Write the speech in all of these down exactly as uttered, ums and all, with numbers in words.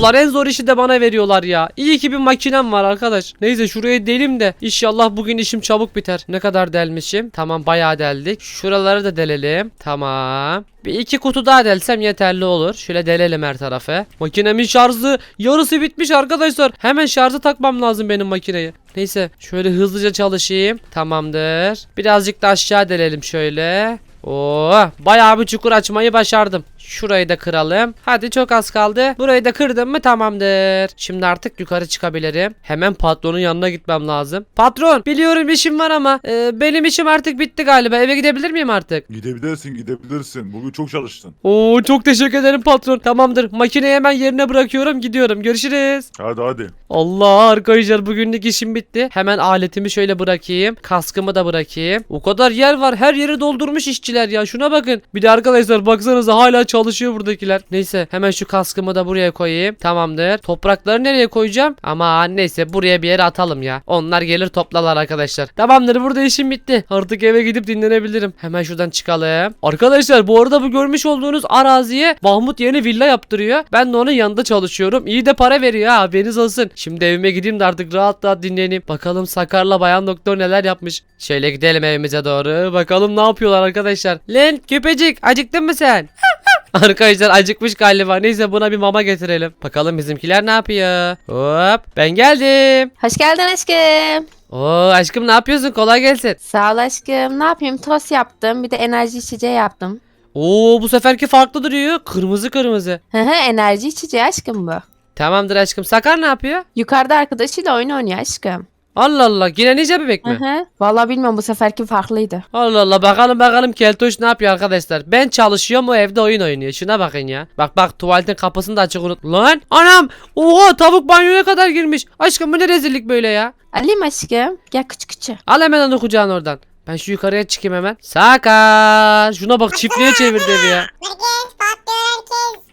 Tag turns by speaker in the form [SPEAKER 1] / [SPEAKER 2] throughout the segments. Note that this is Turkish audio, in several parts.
[SPEAKER 1] veriyorlar. En zor işi de bana veriyorlar ya. İyi ki bir makinem var arkadaş. Neyse şurayı delim de inşallah bugün işim çabuk biter. Ne kadar delmişim? Tamam bayağı deldik. Şuraları da delelim. Tamam. Bir iki kutu daha delsem yeterli olur. Şöyle delelim her tarafı. Makinemin şarjı yarısı bitmiş arkadaşlar. Hemen şarjı takmam lazım benim makineyi. Neyse şöyle hızlıca çalışayım. Tamamdır. Birazcık da aşağı delelim şöyle. Oo, bayağı bir çukur açmayı başardım. Şurayı da kıralım. Hadi çok az kaldı. Burayı da kırdım mı tamamdır. Şimdi artık yukarı çıkabilirim. Hemen patronun yanına gitmem lazım. Patron, biliyorum işim var ama e, benim işim artık bitti galiba. Eve gidebilir miyim artık?
[SPEAKER 2] Gidebilirsin gidebilirsin. Bugün çok çalıştın.
[SPEAKER 1] Oo, çok teşekkür ederim patron. Tamamdır. Makineyi hemen yerine bırakıyorum. Gidiyorum. Görüşürüz.
[SPEAKER 2] Hadi hadi.
[SPEAKER 1] Allah arkadaşlar, bugünlük işim bitti. Hemen aletimi şöyle bırakayım. Kaskımı da bırakayım. O kadar yer var. Her yeri doldurmuş işçiler ya. Şuna bakın. Bir de arkadaşlar baksanıza hala çalışıyor buradakiler. Neyse hemen şu kaskımı da buraya koyayım. Tamamdır. Toprakları nereye koyacağım? Ama neyse buraya bir yere atalım ya. Onlar gelir toplarlar arkadaşlar. Tamamdır, burada işim bitti. Artık eve gidip dinlenebilirim. Hemen şuradan çıkalım. Arkadaşlar bu arada bu görmüş olduğunuz araziye Mahmut yeni villa yaptırıyor. Ben de onun yanında çalışıyorum. İyi de para veriyor ha, haberiniz olsun. Şimdi evime gideyim de artık rahat rahat dinleneyim. Bakalım Sakar'la Bayan Doktor neler yapmış. Şöyle gidelim evimize doğru. Bakalım ne yapıyorlar arkadaşlar. Lan köpecik, acıktın mı sen? Arkadaşlar acıkmış galiba. Neyse buna bir mama getirelim. Bakalım bizimkiler ne yapıyor. Hop, ben geldim.
[SPEAKER 3] Hoş geldin aşkım.
[SPEAKER 1] Oo aşkım, ne yapıyorsun? Kolay gelsin.
[SPEAKER 3] Sağ ol aşkım. Ne yapayım? Tost yaptım. Bir de enerji içeceği yaptım.
[SPEAKER 1] Oo, bu seferki farklı duruyor. Kırmızı kırmızı.
[SPEAKER 3] Hı hı, enerji içeceği aşkım bu.
[SPEAKER 1] Tamamdır aşkım. Sakar ne yapıyor?
[SPEAKER 3] Yukarıda arkadaşıyla oyun oynuyor aşkım.
[SPEAKER 1] Allah Allah, yine nice bebek
[SPEAKER 3] Hı
[SPEAKER 1] mi?
[SPEAKER 3] hı. Vallahi bilmiyorum, bu seferki farklıydı.
[SPEAKER 1] Allah Allah, bakalım bakalım Keltoş ne yapıyor arkadaşlar. Ben çalışıyorum, o evde oyun oynuyor. Şuna bakın ya. Bak bak, tuvaletin kapısını da açık unut. Lan anam, oha, tavuk banyoya kadar girmiş. Aşkım bu ne rezillik böyle ya.
[SPEAKER 3] Alayım aşkım. Gel küçük küçük.
[SPEAKER 1] Al hemen onu kucağına oradan. Ben şu yukarıya çıkayım hemen. Sakar, şuna bak, çiftliğe çevirdi evi ya.
[SPEAKER 4] Herkes patlıyor herkes.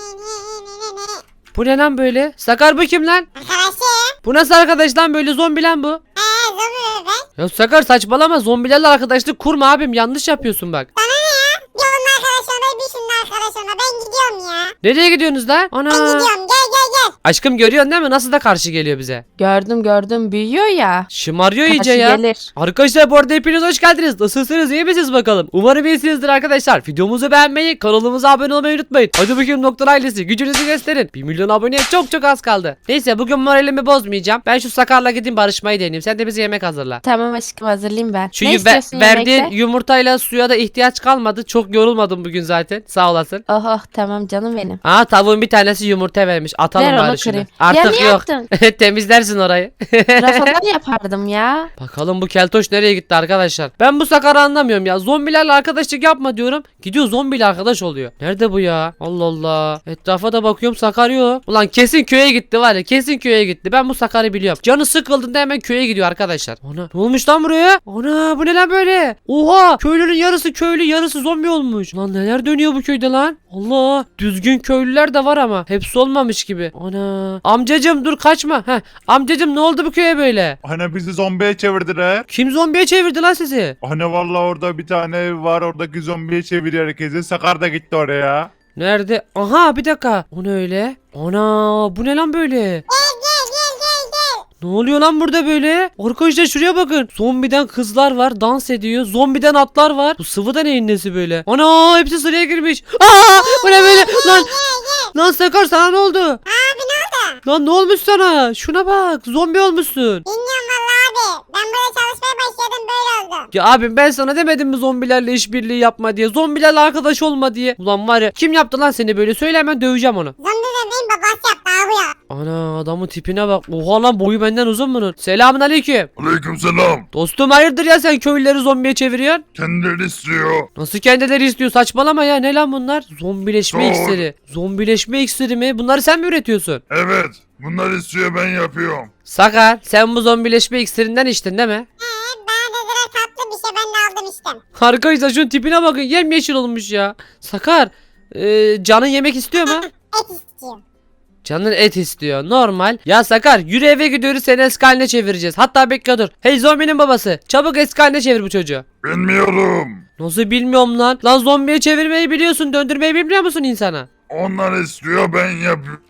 [SPEAKER 1] Bu ne lan böyle? Sakar bu kim lan?
[SPEAKER 4] Arkadaşım.
[SPEAKER 1] Bu nasıl arkadaş lan, böyle zombi lan bu?
[SPEAKER 4] Eee zombi bebek.
[SPEAKER 1] Ya Sakar saçmalama, zombilerle arkadaşlık kurma abim, yanlış yapıyorsun bak.
[SPEAKER 4] Bana ne ya? Bir onun arkadaş ona bir şunun arkadaş ona. Ben gidiyorum ya.
[SPEAKER 1] Nereye gidiyorsunuz lan?
[SPEAKER 4] Ben
[SPEAKER 1] Ana.
[SPEAKER 4] gidiyorum, gel gel gel.
[SPEAKER 1] Aşkım görüyorsun değil mi? Nasıl da karşı geliyor bize.
[SPEAKER 3] Gördüm gördüm, büyüyor ya.
[SPEAKER 1] Şımarıyor iyice
[SPEAKER 3] Karşı
[SPEAKER 1] ya.
[SPEAKER 3] gelir.
[SPEAKER 1] Arkadaşlar bu arada hepiniz hoş geldiniz. Nasılsınız, iyi misiniz bakalım? Umarım iyisinizdir arkadaşlar. Videomuzu beğenmeyi, kanalımıza abone olmayı unutmayın. Hadi bakayım doktor ailesi, gücünüzü gösterin. bir milyon aboneye çok çok az kaldı. Neyse bugün moralimi bozmayacağım. Ben şu Sakar'la gideyim barışmayı deneyeyim. Sen de bize yemek hazırla.
[SPEAKER 3] Tamam aşkım, hazırlayayım ben.
[SPEAKER 1] Şu
[SPEAKER 3] ne
[SPEAKER 1] ve-
[SPEAKER 3] istiyorsun
[SPEAKER 1] verdiğin
[SPEAKER 3] yemekte?
[SPEAKER 1] yumurtayla suya da ihtiyaç kalmadı. Çok yorulmadım bugün zaten. Sağ olasın.
[SPEAKER 3] Oh oh, tamam canım benim.
[SPEAKER 1] Aa, tavuğun bir tanesi yumurta vermiş. Atalım
[SPEAKER 3] Ver onu
[SPEAKER 1] bari şunu.
[SPEAKER 3] kırayım.
[SPEAKER 1] Artık
[SPEAKER 3] Ya niye
[SPEAKER 1] yok.
[SPEAKER 3] attın?
[SPEAKER 1] Temizlersin orayı.
[SPEAKER 3] Rafadan yapardım ya.
[SPEAKER 1] Bakalım bu keltoş nereye gitti arkadaşlar. Ben bu Sakar'ı anlamıyorum ya. Zombilerle arkadaşlık yapma diyorum. Gidiyor zombiyle arkadaş oluyor. Nerede bu ya? Allah Allah. Etrafa da bakıyorum, Sakar yok. Ulan kesin köye gitti var ya. Kesin köye gitti. Ben bu Sakar'ı biliyorum. Canı sıkıldığında hemen köye gidiyor arkadaşlar. Ana, ne olmuş lan buraya? Ana, bu ne lan böyle? Oha, köylünün yarısı köylü yarısı zombi olmuş. Lan neler dönüyor bu köyde lan? Allah, düzgün köylüler de var ama hepsi olmamış gibi. Ana, amcacım dur kaçma. Heh, amcacım ne oldu bu köye böyle?
[SPEAKER 2] Hani bizi zombiye çevirdiler.
[SPEAKER 1] Kim zombiye çevirdi lan sizi?
[SPEAKER 2] Hani valla orada bir tane ev var, oradaki zombiye çeviriyor herkesi. Sakar da gitti oraya.
[SPEAKER 1] Nerede? Aha, bir dakika. O ne öyle? Ana, bu ne lan böyle?
[SPEAKER 4] Gel gel gel gel gel.
[SPEAKER 1] Ne oluyor lan burada böyle? Arkadaşlar şuraya bakın. Zombiden kızlar var, dans ediyor. Zombiden atlar var. Bu sıvı da neyin nesi böyle? Ana, hepsi sıraya girmiş. Aa, bu ne böyle? Lan, lan Sakar sana ne oldu?
[SPEAKER 4] Abi ne oldu?
[SPEAKER 1] Lan ne olmuş sana? Şuna bak, zombi olmuşsun.
[SPEAKER 4] Bilmiyorum valla abi. Ben burada çalışmaya başladım, böyle oldu.
[SPEAKER 1] Ya abim, ben sana demedim mi zombilerle işbirliği yapma diye, zombilerle arkadaş olma diye. Ulan var ya, kim yaptı lan seni böyle? Söyle, hemen döveceğim onu.
[SPEAKER 4] Zombi bebeğin babası yaptı abi ya.
[SPEAKER 1] Ana, adamın tipine bak. Oha lan, boyu benden uzun bunun. Selamun aleyküm.
[SPEAKER 2] Aleykümselam.
[SPEAKER 1] Dostum hayırdır ya, sen köylüleri zombiye çeviriyorsun?
[SPEAKER 2] Kendileri istiyor.
[SPEAKER 1] Nasıl kendileri istiyor, saçmalama ya, ne lan bunlar? Zombileşme
[SPEAKER 2] Doğru.
[SPEAKER 1] iksiri. Zombileşme iksiri mi? Bunları sen mi üretiyorsun?
[SPEAKER 2] Evet. Bunlar istiyor, ben yapıyorum.
[SPEAKER 1] Sakar, sen bu zombileşme iksirinden içtin değil mi?
[SPEAKER 4] He, bana dediler tatlı bir şey, ben de aldım içtim.
[SPEAKER 1] Arkadaşlar şunun tipine bakın, yemyeşil olmuş ya. Sakar, e, canın yemek istiyor mu?
[SPEAKER 4] Et istiyorum.
[SPEAKER 1] Canın et istiyor. Normal. Ya Sakar, yürü eve gidiyoruz, seni eski haline çevireceğiz. Hatta bekle dur. Hey zombinin babası, çabuk eski haline çevir bu çocuğu.
[SPEAKER 2] Bilmiyorum.
[SPEAKER 1] Nasıl bilmiyorum lan? Lan zombiye çevirmeyi biliyorsun, döndürmeyi bilmiyor musun insana?
[SPEAKER 2] Onlar istiyor, ben yapıyorum.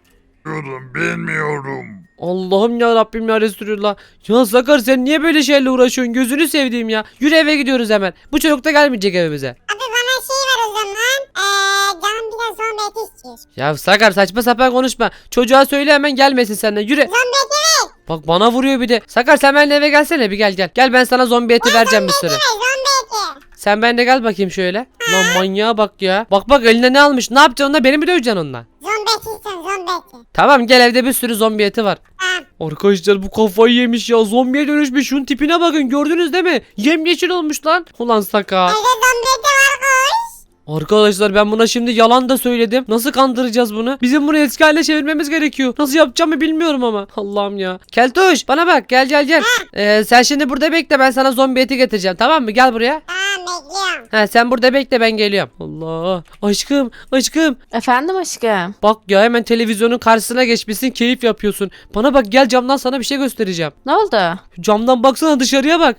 [SPEAKER 2] Bilmiyorum, bilmiyorum.
[SPEAKER 1] Allah'ım ya Rabbim ya Resulullah. Ya Sakar sen niye böyle şeylerle uğraşıyorsun? Gözünü sevdiğim ya. Yürü eve gidiyoruz hemen. Bu çocuk da gelmeyecek evimize.
[SPEAKER 4] Abi bana şey ver o zaman. Eee canım biraz zombi eti istiyor.
[SPEAKER 1] Ya Sakar saçma sapan konuşma. Çocuğa söyle hemen gelmesin senden. Yürü.
[SPEAKER 4] Zombi eti ver.
[SPEAKER 1] Bak bana vuruyor bir de. Sakar sen benimle eve gelsene bir gel gel. Gel ben sana zombi eti vereceğim bir sürü.
[SPEAKER 4] Ver zombi eti.
[SPEAKER 1] Sen benimle gel bakayım şöyle. Lan manyağa bak ya. Bak bak eline ne almış. Ne yapacaksın onunla? Beni mi döveceksin onunla?
[SPEAKER 4] Zombi eti istiyorum zombi eti.
[SPEAKER 1] Tamam gel evde bir sürü zombi eti var.
[SPEAKER 4] Tamam.
[SPEAKER 1] Arkadaşlar bu kafayı yemiş ya. Zombiye dönüşmüş. Şunun tipine bakın. Gördünüz değil mi? Yemyeşil olmuş lan. Ulan Sakar.
[SPEAKER 4] Evde zombi eti var koş.
[SPEAKER 1] Arkadaşlar ben buna şimdi yalan da söyledim. Nasıl kandıracağız bunu? Bizim bunu eski haline çevirmemiz gerekiyor. Nasıl yapacağımı bilmiyorum ama. Allah'ım ya. Keltoş bana bak gel gel gel. Ee, sen şimdi burada bekle ben sana zombi eti getireceğim tamam mı? Gel buraya.
[SPEAKER 4] Tamam bekliyorum.
[SPEAKER 1] Ha sen burada bekle ben geliyorum. Allah. Aşkım aşkım.
[SPEAKER 3] Efendim aşkım.
[SPEAKER 1] Bak ya hemen televizyonun karşısına geçmişsin keyif yapıyorsun. Bana bak gel camdan sana bir şey göstereceğim.
[SPEAKER 3] Ne oldu?
[SPEAKER 1] Camdan baksana dışarıya bak.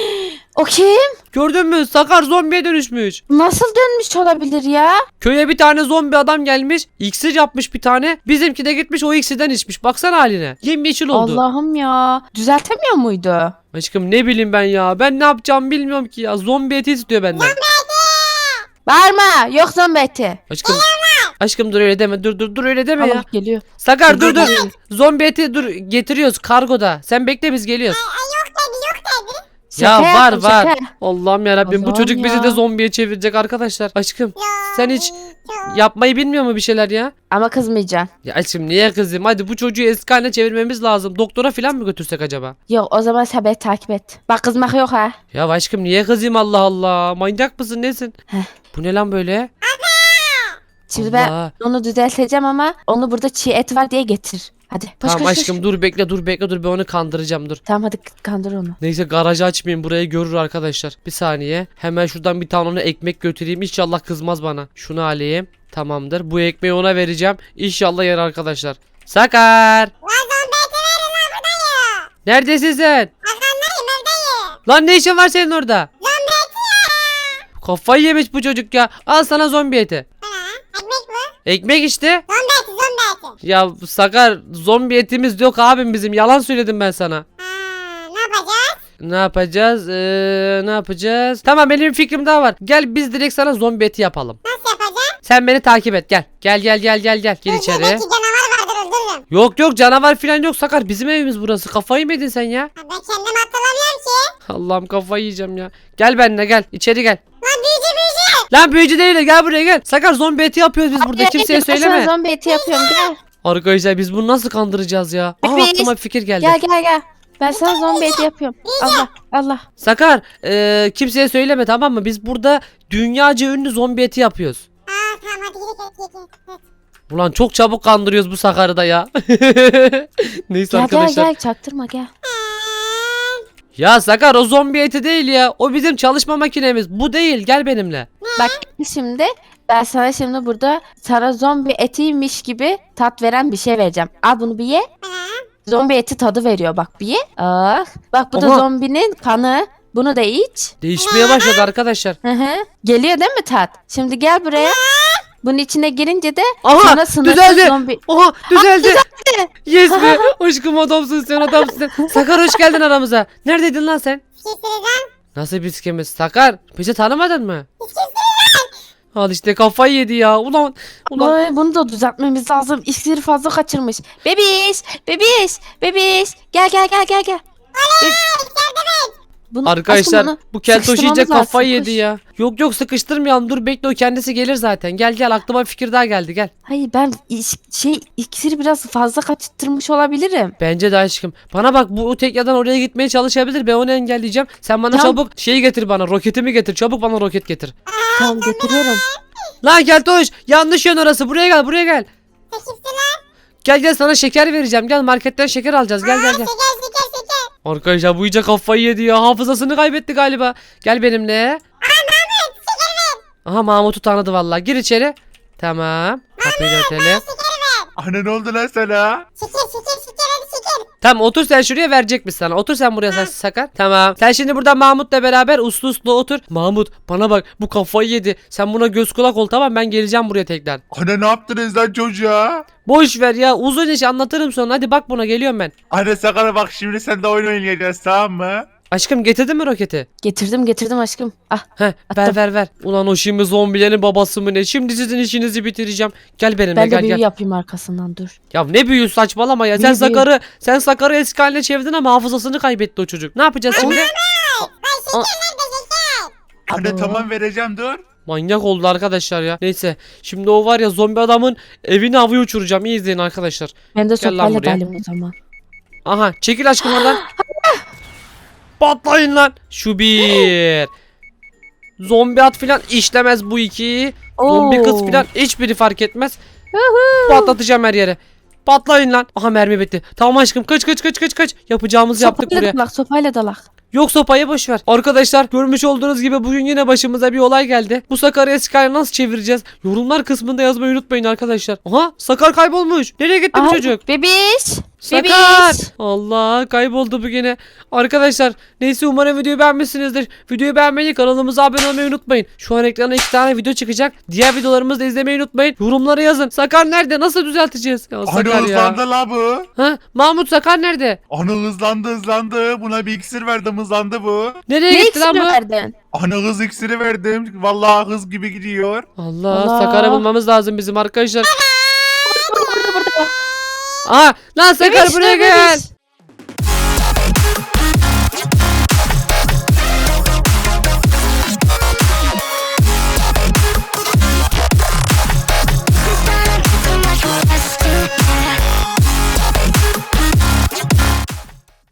[SPEAKER 3] O kim?
[SPEAKER 1] Gördün mü? Sakar zombiye dönüşmüş.
[SPEAKER 3] Nasıl dönmüş olabilir ya?
[SPEAKER 1] Köye bir tane zombi adam gelmiş. İksir yapmış bir tane. Bizimki de gitmiş o iksirden içmiş. Baksana haline. Yemyeşil oldu.
[SPEAKER 3] Allah'ım ya. Düzeltemiyor muydu?
[SPEAKER 1] Aşkım ne bileyim ben ya. Ben ne yapacağımı bilmiyorum ki ya. Zombi eti istiyor benden.
[SPEAKER 3] Bağırma. Yok zombi eti.
[SPEAKER 1] Aşkım. Aşkım dur öyle deme. Dur dur dur öyle deme
[SPEAKER 3] Allah
[SPEAKER 1] ya.
[SPEAKER 3] geliyor.
[SPEAKER 1] Sakar dur dur. Zombi eti dur getiriyoruz kargoda. Sen bekle biz geliyoruz.
[SPEAKER 4] Yok dedi yok dedi.
[SPEAKER 1] Ya
[SPEAKER 3] Şaka
[SPEAKER 1] var
[SPEAKER 3] yaptım,
[SPEAKER 1] var.
[SPEAKER 3] şaka.
[SPEAKER 1] Allah'ım yarabbim bu
[SPEAKER 3] Allah'ım
[SPEAKER 1] çocuk bizi
[SPEAKER 3] ya.
[SPEAKER 1] de zombiye çevirecek arkadaşlar. Aşkım
[SPEAKER 4] Ya,
[SPEAKER 1] sen hiç
[SPEAKER 4] ya.
[SPEAKER 1] yapmayı bilmiyor mu bir şeyler ya?
[SPEAKER 3] Ama kızmayacaksın.
[SPEAKER 1] Ya aşkım niye kızım? Hadi bu çocuğu eski haline çevirmemiz lazım. Doktora falan mı götürsek acaba?
[SPEAKER 3] Yok o zaman sen beni takip et. Bak kızmak yok ha.
[SPEAKER 1] Ya aşkım niye kızayım Allah Allah? Manyak mısın nesin?
[SPEAKER 3] Heh.
[SPEAKER 1] Bu ne lan böyle?
[SPEAKER 3] Şimdi
[SPEAKER 1] Allah.
[SPEAKER 3] ben onu düzelteceğim ama onu burada çiğ et var diye getir. Hadi koş
[SPEAKER 1] Tamam
[SPEAKER 3] koş, koş.
[SPEAKER 1] aşkım dur bekle dur bekle dur ben onu kandıracağım dur.
[SPEAKER 3] Tamam hadi kandır onu.
[SPEAKER 1] Neyse garajı açmayayım burayı görür arkadaşlar. Bir saniye. Hemen şuradan bir tane ona ekmek götüreyim. İnşallah kızmaz bana. Şunu alayım. Tamamdır. Bu ekmeği ona vereceğim. İnşallah yer arkadaşlar. Sakar.
[SPEAKER 4] Lan zombi eti verin lan buradayım.
[SPEAKER 1] Neredesin sen?
[SPEAKER 4] Arkandayım evdeyim.
[SPEAKER 1] Lan ne işin var senin orada?
[SPEAKER 4] Zombi eti ya.
[SPEAKER 1] Kafayı yemiş bu çocuk ya. Al sana zombi eti.
[SPEAKER 4] Ha, ekmek mi?
[SPEAKER 1] Ekmek işte.
[SPEAKER 4] Zombi eti zombi eti.
[SPEAKER 1] Ya Sakar zombi etimiz yok abim bizim. Yalan söyledim ben sana.
[SPEAKER 4] Ha, ne yapacağız?
[SPEAKER 1] Ne yapacağız? Ee, ne yapacağız? Tamam benim bir fikrim daha var. Gel biz direkt sana zombi eti yapalım.
[SPEAKER 4] Nasıl yapacağız?
[SPEAKER 1] Sen beni takip et gel. Gel gel gel gel gel. Gir içeri.
[SPEAKER 4] Belki canavar vardır öldürürüm.
[SPEAKER 1] Yok yok canavar falan yok Sakar. Bizim evimiz burası. Kafayı mı yedin sen ya?
[SPEAKER 4] Ha, ben kendim hatırlamıyorum ki.
[SPEAKER 1] Allah'ım kafayı yiyeceğim ya. Gel benimle gel. İçeri gel.
[SPEAKER 4] Lan büyücü büyücü.
[SPEAKER 1] Lan büyücü değil de gel buraya gel. Sakar zombi eti yapıyoruz biz burada.
[SPEAKER 3] Hadi,
[SPEAKER 1] Kimseye
[SPEAKER 3] hadi, ben
[SPEAKER 1] söyleme.
[SPEAKER 3] sana zombi eti yapıyorum gel.
[SPEAKER 1] Arkadaşlar biz bunu nasıl kandıracağız ya? Aa
[SPEAKER 3] Biz-
[SPEAKER 1] aklıma bir fikir geldi.
[SPEAKER 3] Gel gel gel. Ben sana zombi eti yapıyorum. Allah Allah.
[SPEAKER 1] Sakar e, kimseye söyleme tamam mı? Biz burada dünyaca ünlü zombi eti yapıyoruz.
[SPEAKER 4] Ha tamam hadi gidelim gidelim. gidelim.
[SPEAKER 1] Ulan çok çabuk kandırıyoruz bu Sakar'ı da ya. Neyse
[SPEAKER 3] Gel
[SPEAKER 1] arkadaşlar.
[SPEAKER 3] gel gel çaktırma gel.
[SPEAKER 1] Ya Sakar o zombi eti değil ya. O bizim çalışma makinemiz. Bu değil. Gel benimle.
[SPEAKER 3] Bak şimdi ben sana şimdi burada sana zombi etiymiş gibi tat veren bir şey vereceğim. Al bunu bir ye.
[SPEAKER 4] Ha.
[SPEAKER 3] Zombi eti tadı veriyor bak bir ye. Ah. Bak bu da
[SPEAKER 1] Aha.
[SPEAKER 3] zombinin kanı. Bunu da iç.
[SPEAKER 1] Değişmeye başladı arkadaşlar.
[SPEAKER 3] Hı hı. Geliyor değil mi tat? Şimdi gel buraya. Bunun içine girince de
[SPEAKER 1] Aha,
[SPEAKER 3] sana sınırsız
[SPEAKER 1] düzeldi.
[SPEAKER 3] zombi.
[SPEAKER 1] Oha düzeldi. Yes be. Aşkım adamsın sen adamsın sen. Sakar hoş geldin aramıza. Neredeydin lan sen?
[SPEAKER 4] Bir şey söyleyeceğim.
[SPEAKER 1] Nasıl biz kimiz? Sakar bizi tanımadın mı?
[SPEAKER 4] Bir şey söyleyeceğim.
[SPEAKER 1] Al işte kafayı yedi ya. Ulan ulan.
[SPEAKER 3] Ay, bunu da düzeltmemiz lazım. İksiri fazla kaçırmış. Bebiş, bebiş, bebiş. Gel gel gel gel gel. Bunu,
[SPEAKER 1] Arkadaşlar
[SPEAKER 3] aşkım bunu
[SPEAKER 1] bu keltoş iyice
[SPEAKER 3] sıkıştırmamız
[SPEAKER 1] kafayı
[SPEAKER 3] lazım,
[SPEAKER 1] yedi
[SPEAKER 3] koş.
[SPEAKER 1] ya. Yok yok sıkıştırmayalım dur bekle o kendisi gelir zaten. Gel gel aklıma bir fikir daha geldi gel.
[SPEAKER 3] Hayır ben iş- şey iksiri biraz fazla kaçırtmış olabilirim.
[SPEAKER 1] Bence de aşkım. Bana bak bu tekyadan oraya gitmeye çalışabilir. Ben onu engelleyeceğim. Sen bana
[SPEAKER 3] Tamam.
[SPEAKER 1] çabuk şeyi getir bana. Roketimi getir. Çabuk bana roket getir.
[SPEAKER 3] Tamam getiriyorum.
[SPEAKER 1] Lan keltoş yanlış yön orası. Buraya gel buraya gel.
[SPEAKER 4] Sen kimsin lan?
[SPEAKER 1] Gel gel sana şeker vereceğim. Gel marketten şeker alacağız. Gel gel gel.
[SPEAKER 4] Şeker şeker şeker.
[SPEAKER 1] Arkadaşlar bu iyice kafayı yedi ya. Hafızasını kaybetti galiba. Gel benimle. Aha Mahmut'u tanıdı vallahi. Gir içeri. Tamam. Kapıyı da örtelim.
[SPEAKER 4] Şeker ver.
[SPEAKER 2] Anne ne oldu lan sana?
[SPEAKER 4] Şeker şeker şeker hadi şeker.
[SPEAKER 1] Tamam otur sen şuraya verecekmiş sana. Otur sen buraya sen Sakar. Tamam. Sen şimdi burada Mahmut'la beraber uslu uslu otur. Mahmut bana bak bu kafayı yedi. Sen buna göz kulak ol tamam ben geleceğim buraya tekrar.
[SPEAKER 2] Anne ne yaptınız lan çocuğa?
[SPEAKER 1] Boş ver ya uzun iş anlatırım sonra. Hadi bak buna geliyorum ben.
[SPEAKER 2] Anne Sakar bak şimdi sen de oyun oynayacağız tamam mı?
[SPEAKER 1] Aşkım getirdin mi roketi?
[SPEAKER 3] Getirdim getirdim aşkım. Ah.
[SPEAKER 1] Heh ver
[SPEAKER 3] Attım.
[SPEAKER 1] ver ver. Ulan o şimdi zombilerin babası mı ne? Şimdi sizin işinizi bitireceğim. Gel benimle
[SPEAKER 3] Ben de
[SPEAKER 1] gel
[SPEAKER 3] büyü
[SPEAKER 1] gel.
[SPEAKER 3] yapayım arkasından dur.
[SPEAKER 1] Ya ne büyü saçmalama ya. Sen
[SPEAKER 3] Büyü, büyü.
[SPEAKER 1] Sakar'ı sen Sakar'ı eski haline çevirdin ama hafızasını kaybetti o çocuk. Ne yapacağız şimdi?
[SPEAKER 4] Lan şeker nerede şeker?
[SPEAKER 2] Anne
[SPEAKER 3] Abo.
[SPEAKER 2] tamam vereceğim dur.
[SPEAKER 1] Manyak oldu arkadaşlar ya. Neyse şimdi o var ya zombi adamın evini havaya uçuracağım. İyi izleyin arkadaşlar.
[SPEAKER 3] Ben de
[SPEAKER 1] Gel lan
[SPEAKER 3] sopayla
[SPEAKER 1] buraya.
[SPEAKER 3] dalayım o zaman.
[SPEAKER 1] Aha çekil aşkım oradan. Patlayın lan. Şu bir. Zombi at filan işlemez bu iki. Zombi kız
[SPEAKER 3] Oo.
[SPEAKER 1] filan hiçbiri fark etmez. Patlatacağım her yere. Patlayın lan. Aha mermi bitti. Tamam aşkım kaç kaç kaç kaç kaç. Yapacağımızı yaptık
[SPEAKER 3] Sopayla
[SPEAKER 1] buraya.
[SPEAKER 3] dalak sopayla dalak.
[SPEAKER 1] Yok sopayı boş ver. Arkadaşlar görmüş olduğunuz gibi bugün yine başımıza bir olay geldi. Bu Sakar'ı eski haline nasıl çevireceğiz? Yorumlar kısmında yazmayı unutmayın arkadaşlar. Aha Sakar kaybolmuş. Nereye gitti bu
[SPEAKER 3] Aha,
[SPEAKER 1] çocuk?
[SPEAKER 3] Bebiş.
[SPEAKER 1] Sakar!
[SPEAKER 3] Bebiş.
[SPEAKER 1] Allah kayboldu bu gene. Arkadaşlar neyse umarım videoyu beğenmişsinizdir. Videoyu beğenmeyi kanalımıza abone olmayı unutmayın. Şu an ekrana iki tane video çıkacak. Diğer videolarımızı da izlemeyi unutmayın. Yorumlara yazın. Sakar nerede? Nasıl düzelteceğiz? Ya
[SPEAKER 2] Anne
[SPEAKER 1] Sakar ya.
[SPEAKER 2] hızlandı la bu.
[SPEAKER 1] Ha? Mahmut Sakar nerede?
[SPEAKER 2] Anne hızlandı hızlandı. Buna bir iksir verdim hızlandı bu.
[SPEAKER 1] Nereye
[SPEAKER 3] Ne
[SPEAKER 1] gitti lan
[SPEAKER 3] iksiri
[SPEAKER 1] bu?
[SPEAKER 3] verdin?
[SPEAKER 2] Anne hız iksiri verdim. Vallahi hız gibi gidiyor.
[SPEAKER 1] Allah,
[SPEAKER 3] Allah.
[SPEAKER 1] Sakar'ı bulmamız lazım bizim arkadaşlar. Aa lan Sakar
[SPEAKER 3] Bebiş,
[SPEAKER 1] buraya
[SPEAKER 3] dur
[SPEAKER 1] gel.
[SPEAKER 3] bebiş.